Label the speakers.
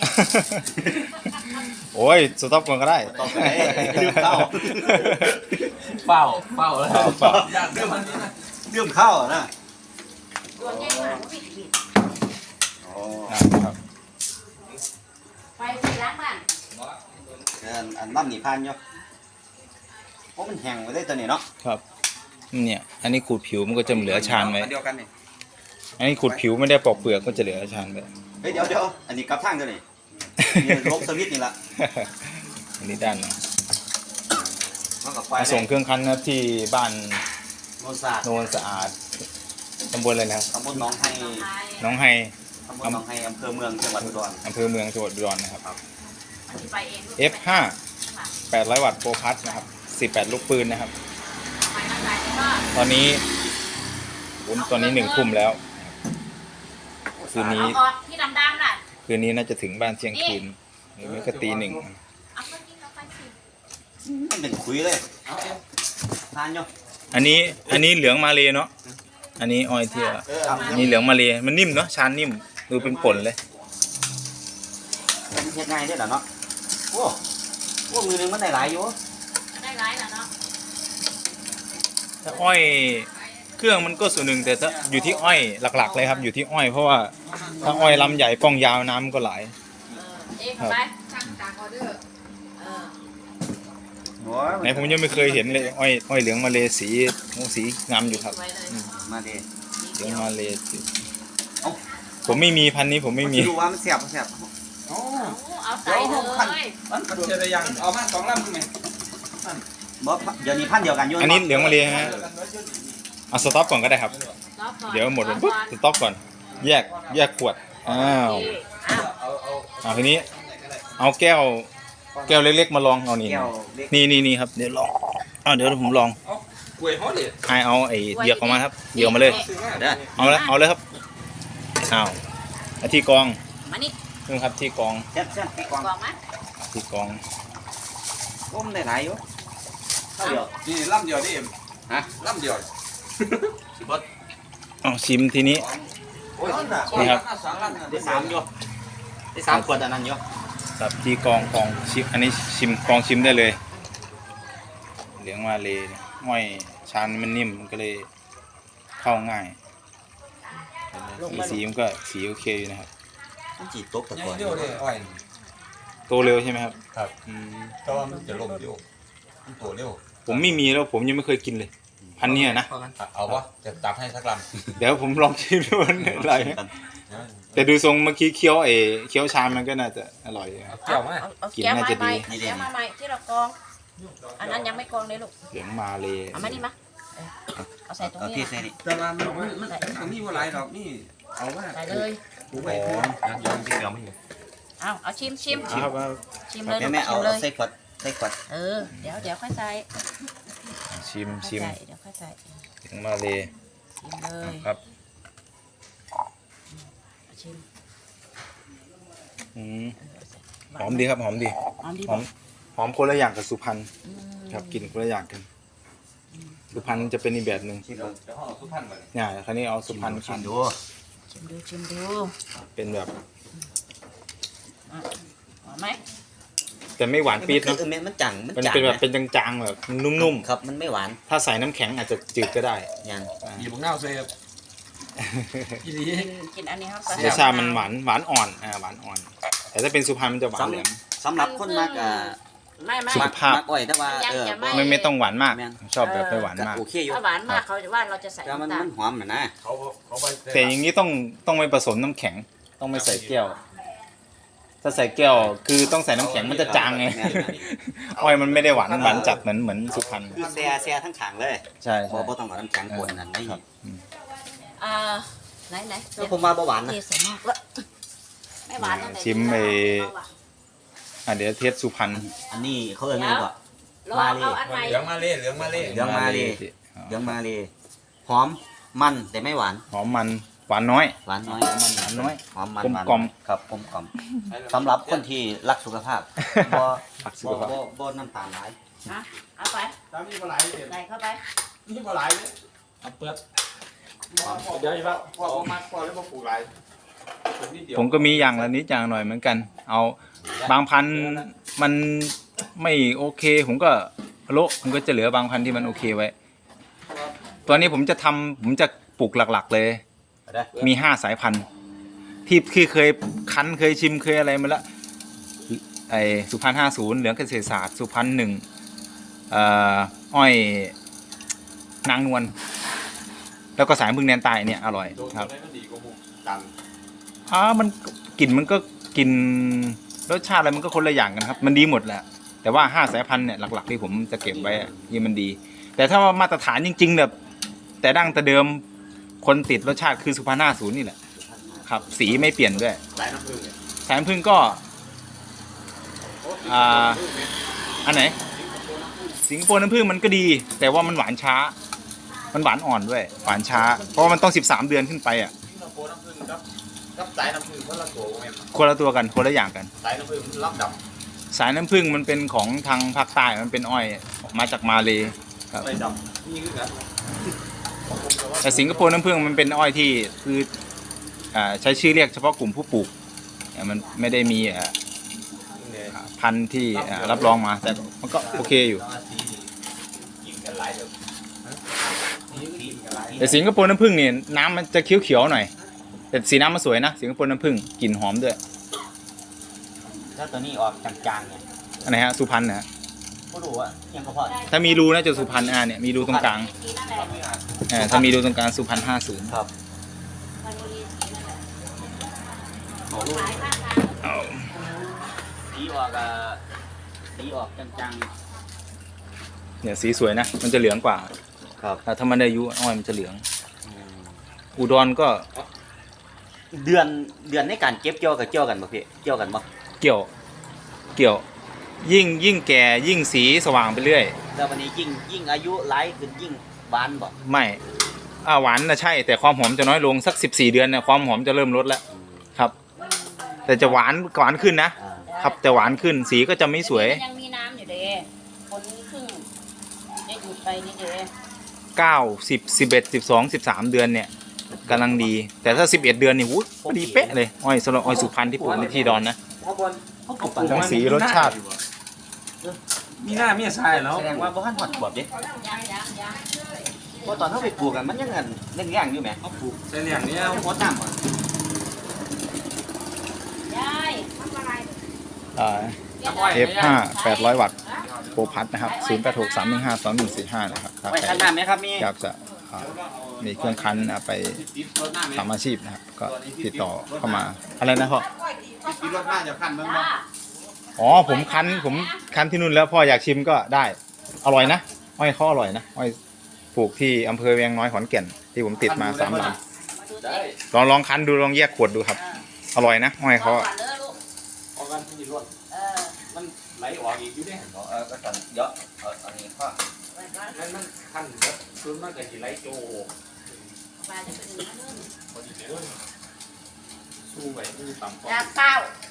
Speaker 1: โอ้ยสต็อปก่อนก็ได้
Speaker 2: ต่อไปลืมเข้า
Speaker 3: เฝ้าแล้ว
Speaker 1: เฝ้า
Speaker 3: อยากเรื่องมันนี้นะ
Speaker 2: ลืมเข้านะ
Speaker 4: รวมแยกมาบิด
Speaker 2: อ๋อ
Speaker 1: ครับ
Speaker 4: ไปที่ล้างบ้าน
Speaker 2: อันบ้านหนีพันอยู่เพราะมันแห้งไปได้ตัวนี้เนาะ
Speaker 1: ครับเนี่ยอันนี้ขูดผิวมันก็จะเหลือชานไว้
Speaker 2: เดียวกันนี่
Speaker 1: อันนี้ขูดผิวไม่ได้ปอกเปลือกก็จะเหลือชานไว้
Speaker 2: เฮ้ยเดี๋ยวอันนี้กลับทางตัวนี้นี่ลบสวิตช์นี่ละ
Speaker 1: อันนี้ด้านหนึง
Speaker 2: มันกับไฟ
Speaker 1: มาส่งเครื่องคั้นนะครับที่บ้าน
Speaker 2: โนนสาด
Speaker 1: โนนสะอาดตำบลอะไรนะครับ
Speaker 2: ตำบลหนองไฮ
Speaker 1: น้องไฮ
Speaker 2: ตำบลหนองไฮอำเภอเมืองจังหวัดอุดร
Speaker 1: อำเภอเมืองจังหวัดอุดรนะครับ
Speaker 4: ไปเอง
Speaker 1: F5 800 วัตต์โปรพัทนะครับ18 ลูกปืนนะครับ
Speaker 4: ไปนั่งไหนก็
Speaker 1: ตอนนี้ตอนนี้1 ทุ่มแล้ว คืนนี้
Speaker 4: เอาออกที่ดำๆน่ะ
Speaker 1: คืนนี้น่าจะถึงบ้านเที่ยงคืนหรือไม่ก็ตี 1
Speaker 4: เอาไปกินเอาไปสิ
Speaker 2: มันเป็นคุยเลยทานอยู่
Speaker 1: อันนี้เหลืองมาเลยเนาะอันนี้ออยเทียอันนี้เหลืองมาเลยมันนิ่มเนาะชานนิ่มดูเป็นผลเลย
Speaker 2: มันเฮ็ดง่ายเด้อล่ะเนาะโอ้มือหนึงมันได้หลายอยู่
Speaker 4: ได้ร้ายแล้วเนาะ
Speaker 1: ถ้าอ้อยเครื่องมันก็ส่วนหนึ่งแต่ถ้าอยู่ที่อ้อยหลักๆเลยครับอยู่ที่อ้อยเพราะว่าถ้าอ้อยลำใหญ่ป้องยาวน้ำมันก็ไหล
Speaker 4: เอ๊ะไปสั่งตามออเดอร์
Speaker 1: ไหนผมยังไม่เคยเห็นเลยอ้อยเหลืองมาเลยสีงามอยู่ครับ
Speaker 4: สวยเลย
Speaker 2: มาดิ
Speaker 1: เหลืองมาเลย
Speaker 2: เอ้า
Speaker 1: ผมไม่มีพันธุ์นี้ผมไม่มี
Speaker 2: ดูว่ามันเสียบอ๋อ
Speaker 4: เอาใส่เลย
Speaker 3: มันกระโดดเจอยังเอามา2 ลำใช่ไหม
Speaker 2: บ่เดี๋ยวนี้พันเดียวกันอยู่
Speaker 1: อันนี้เหลืองมาเลยฮะเอาสต็อปก่อนก็ได้ครับ เดี๋ยวหมดปุ๊บสต็อปก่อนแยกขวดอ้าว
Speaker 3: เอา
Speaker 1: ทีนี้เอาแก้วเล็กๆมาลองเอานี่
Speaker 2: แก้วเล็ก
Speaker 1: นี่ครับเดี๋ยวลองเดี๋ยวผมลอง
Speaker 3: กล้วยฮอดเลย
Speaker 1: เอาไอ้เหยือกออกมาครับเหยือกออกมาเลย
Speaker 2: เด้อ
Speaker 1: เอาเลยครับอ้าวที่กอง
Speaker 4: มานี่
Speaker 1: นี่ครับที่กอง
Speaker 2: แซ่บพี่กวาง
Speaker 4: กล่องมั้ย
Speaker 1: ที่กอง
Speaker 2: ก้มได้หลายอยู่เท่าเดียว
Speaker 3: นี่ลำเดียวดิเอ็ม
Speaker 2: ฮะ
Speaker 3: ลำเดียวสิบด
Speaker 1: เอาชิมทีนี้
Speaker 3: โอ้ยน่ะ
Speaker 1: นี่ครับ
Speaker 3: 2 ลำน่ะ
Speaker 2: ได้3อยู่ได้3ขวดอันนั้นอยู่
Speaker 1: กับที่กองชิมอันนี้กองชิมได้เลยเหลืองมาเลยห้อยชานมันนิ่มมันก็เลยเข้าง่ายสีมันก็สีโอเคอยู่นะครับ
Speaker 2: มันจีตกตะ
Speaker 3: ใหญ่
Speaker 2: กอน
Speaker 3: เดียวเลยอ้อย
Speaker 1: โตเร็วใช่ไหมครับ
Speaker 3: ครับ
Speaker 1: อืม
Speaker 3: ก็มันจะล่มเร็วมันตัวเร็ว
Speaker 1: ผมไม่มีแล้วผมยังไม่เคยกินเลย พันเนี้ยนะ
Speaker 3: เอาวะจะตัดให้สักล
Speaker 1: เดี๋ยวผมลองชิมดูมันอะไร
Speaker 3: ำ
Speaker 1: แต่ดูทรงเมื่อกี้เคี้ยวชามมันก็น่าจะอร่อยอยู่ครับ
Speaker 3: เกี่ยวไหม
Speaker 4: เอาแก้วมาใหม่แก้วมาใหม่ที่เรากองอันนั้นยังไม่กองเลยลูก
Speaker 1: เหลืองมาเลย
Speaker 4: เอามานี่มาเอาใส่ตรง
Speaker 2: เอา
Speaker 4: นี้
Speaker 2: ที่ใส่นี่
Speaker 3: แต่ว่ามันมีว่าหลายดอกนี่เอาว่า
Speaker 4: ใส่เลย
Speaker 3: ปูไว้พอยังที่เกี่ยวไม่อยู่
Speaker 4: เอาชิม
Speaker 1: ครับ
Speaker 4: ชิมเลย
Speaker 2: แม่เอา
Speaker 4: ชิมเลย
Speaker 2: ใส่ขวด
Speaker 4: เดี๋ยวค่อยใส่
Speaker 1: ชิม
Speaker 4: เดี๋ยวค่อยใส่
Speaker 1: เหลืองมาเลย
Speaker 4: ชิมเลย
Speaker 1: ครับ
Speaker 4: ชิม
Speaker 1: อืมหอมดีครับหอมดี
Speaker 4: หอมดี
Speaker 1: หอมหอมคนละอย่างกับสุพรรณ
Speaker 4: อืม
Speaker 1: ครับกลิ่นคนละอย่างกัน สุพรรณจะเป็นอีกแบบหนึ่ง
Speaker 3: เดี๋ยวห่อสุพรรณมาเลย
Speaker 1: เนี่ยคราวนี้เอาสุพรรณ
Speaker 2: ชิ
Speaker 1: คั้
Speaker 2: ม
Speaker 1: น
Speaker 2: ดู
Speaker 4: ชิมดู
Speaker 1: เป็นแบบ
Speaker 4: หอมไหม
Speaker 1: แต่ไม่หวานปี๊ดเนอะ
Speaker 2: มันจัง
Speaker 1: มันเป็นแบบเป็นจางๆแบบนุ่ม
Speaker 2: ครับมันไม่หวาน
Speaker 1: ๆถ้าใส่น้ำแข็งอาจจะจืดก็ได้
Speaker 2: ยัง
Speaker 3: หยิบเงาเสียบอีดี
Speaker 4: กินอันนี้ครับ
Speaker 1: รสชาติมันหวานอ่อนหวานอ่อน แต่ถ้าเป็นสุพรรณมันจะหวานแหลม
Speaker 2: สำหรับคนมาก
Speaker 4: ไม่
Speaker 1: สุขภาพ
Speaker 2: มักอ้อยแต่ว่า
Speaker 1: ไม่ต้องหวานมาก
Speaker 2: แม่น
Speaker 1: ชอบแบบไม่หวานมาก
Speaker 2: โอเคอยู่
Speaker 4: ถ้าหวานมากเขาจะว่าเราจะใส่
Speaker 2: แต่มัน
Speaker 4: น้ำตาล
Speaker 2: มันหอมนะ
Speaker 3: เขาไป
Speaker 1: แต่อย่างนี้ต้องไม่ผสมน้ำแข็ง ต้องไม่ใส่แก้ว ถ้าใส่แก้วคือต้องใส่น้ำแข็งมันจะจางไง อ้อยมันไม่ได้หวานจัดเหมือนสุพรรณ
Speaker 2: คือแซ่ทั้งขางเลย
Speaker 1: ใช่
Speaker 2: บ่ต้องเอาน้ำแข็งคนนั่นไม่
Speaker 4: ไหน
Speaker 2: ก็ผมว่าบ่หวานนะ
Speaker 4: เทใส่หม้อแล้วไม่หวานตั้งแต่
Speaker 1: ชิมเดี๋ยวเทสสุพรรณ
Speaker 2: อันนี้เขาเรียกไงก่อน
Speaker 4: รอเอาอันใหม่
Speaker 3: เหลืองมาเล่เหลืองมาเล่
Speaker 2: เหลืองมาเลยเหลืองมาเลยหอมมันแต่ไม่หวาน
Speaker 1: หอมมันหวานน้อย
Speaker 2: หวานน้อย
Speaker 1: หวานน้อย
Speaker 2: หอมมัน
Speaker 1: กลม
Speaker 2: ครับกลมกล่อมสำหรับคนที่รักสุขภาพบ่
Speaker 1: รักสุขภาพ
Speaker 2: บ่น้ำตาลหลาย
Speaker 4: นะเอาไป
Speaker 3: ตามมีปลาไหลเลย
Speaker 4: ใส่เข้าไป
Speaker 3: มีปลาไหลเลยเอาเปลือกเดี๋ยวอีกแล้วพอมัดพอแล้วพอปลูกไหล
Speaker 1: ผมก็มีอย่างละนิดอย่างหน่อยเหมือนกัน เอาบางพันธุ์มันไม่โอเค ผมก็โละผมก็จะเหลือบางพันธุ์ที่มันโอเคไว้ ตัวนี้ผมจะปลูกหลักๆเลย มี5 สายพันธุ์ที่เคยคั้นเคยชิมเคยอะไรมาแล้วไอสุพรรณ50เหลืองเกษตรศาสตร์สุพรรณ1อ้อยนางนวลแล้วก็สายพึ่งแดนใต้เนี่ยอร่อยครับมันกลิ่นมันก็กลิ่นรสชาติอะไรมันก็คนละอย่างกันครับมันดีหมดแหละแต่ว่า5 สายพันธุ์เนี่ยหลักๆที่ผมจะเก็บไว้ยี่มันดี แต่ถ้าว่ามาตรฐานจริงๆแบบแต่ดั้งแต่เดิมคนติดรสชาติคือสุพรรณ50นี่แหละครับสีไม่เปลี่ยนด้วยสายน้ำผึ้งก็อันไหนสิงคโปร์น้ำผึ้งมันก็ดีแต่ว่ามันหวานช้ามันหวานอ่อนด้วยหวานช้าเพราะว่ามันต้อง13 เดือนขึ้นไป
Speaker 3: กับสายน้ำผึ้งคนละตัวแม่น
Speaker 1: คนละตัวกันคนละอย่างกัน
Speaker 3: สายน้ำผึ้งมันรับดับ
Speaker 1: สายน้ำผึ้งมันเป็นของทางภาคใต้มันเป็นอ้อยมาจากมาเลครับ
Speaker 3: ไปดับนี่คือกัน
Speaker 1: แต่สิงคโปร์น้ำผึ้งมันเป็นอ้อยที่คือใช้ชื่อเรียกเฉพาะกลุ่มผู้ปลูกมันไม่ได้มีพันธุ์ที่รับรองมาแต่มันก็โอเคอยู่แต่สิงคโปร์น้ำผึ้งเนี่ยน้ำมันจะเขียวๆหน่อยแต่สีน้ำมันสวยนะสิงคโปร์น้ำผึ้งกลิ่นหอมด้วย
Speaker 2: ถ้าตัวนี้ออกจางๆเนี่ย
Speaker 1: อันไหนฮะสุพรรณนะฮะ
Speaker 2: ก็รู้ว่ายังก็พอ
Speaker 1: ถ้ามีรูน่าจะสุพรรณเนี่ยมีรูตรงกลางถ้ามีรูตรงกลางสุพรรณ50
Speaker 2: ครับสีออกจางๆ
Speaker 1: เนี่ยสีสวยนะมันจะเหลืองกว่า
Speaker 2: ครับ
Speaker 1: ถ้ามันได้อายุอ้อยมันจะเหลืองอุดรก็
Speaker 2: เดือนในการเก็บเกี่ยวกับเกี่ยวกันบ่พี่เกี่ยวกันบ่
Speaker 1: เกี่ยวยิ่งแก่ยิ่งสีสว่างไปเรื่อย
Speaker 2: แต่วันนี้ยิ่งอายุหลายขึ้นยิ่งหวานบ่
Speaker 1: ไม่หวานนะใช่แต่ความหอมจะน้อยลงสัก14 เดือนเนี่ยความหอมจะเริ่มลดแล้วครับ แต่จะหวานขึ้นนะครับแต่หวานขึ้นสีก็จะไม่สวย
Speaker 4: ยังมีน้ำอยู่เด้คนครึ่งได้หยุดไปนี่เด้
Speaker 1: 9 10 11 12 13 เดือนเนี่ยกำลังดี แต่ถ้า11 เดือนนี่วุ้ยดีเป๊ะเลยอ้อยสำหรับอ้อยสุพรรณที่ปลูกในที่ดอนนะ
Speaker 3: เขาบนเขาปลูก
Speaker 1: ทั้งสีรสชาติ
Speaker 3: มีหน้ามีทรายแล้ว
Speaker 2: แสดงว่าบ่ทันฮอดขวบเด้
Speaker 4: ยัง
Speaker 2: เพราะตอนเฮาไปปลูกกันมันยังเล่นย่างอยู่แหม
Speaker 3: เขาปลูกเส้นอย่างนี้
Speaker 2: เอาหัวน้ำบ่
Speaker 4: ยายทำอะไร
Speaker 1: F5 800 วัตต์โปรพัทนะครับ086 315 2145นะครับ
Speaker 2: ไว้คั้นน้ำไหมครับมี
Speaker 1: อยากจะมีเครื่องคั้นไปทำอาชีพนะครับก็ติดต่อเข้ามาอะไรนะพ่อ
Speaker 3: กินรถหน้าจะขั้นมึงบ่
Speaker 1: อ๋อผมคั้นที่นู่นแล้วพ่ออยากชิมก็ได้อร่อยนะอ้อยเขาอร่อยนะอ้อยปลูกที่อำเภอเวียงน้อยขอนแก่นที่ผมติดมา3 ลำลองคั้นดูลองแยกขวดดูครับอร่อยนะอ้อยเขา
Speaker 4: ก่อนเด้อลูก
Speaker 3: ออกกันที่รถ มันไหลออกอีกอยู่เด้
Speaker 2: ก็สั่นเยอะอันนี้พ่อ
Speaker 3: มันขั้นแบบซื้อมาแต่ที่ไหลโจ
Speaker 4: มาจะเป็น
Speaker 3: พอดีเด้อสู้ไว้ไม่ต่ำกว่า
Speaker 4: จากเป้า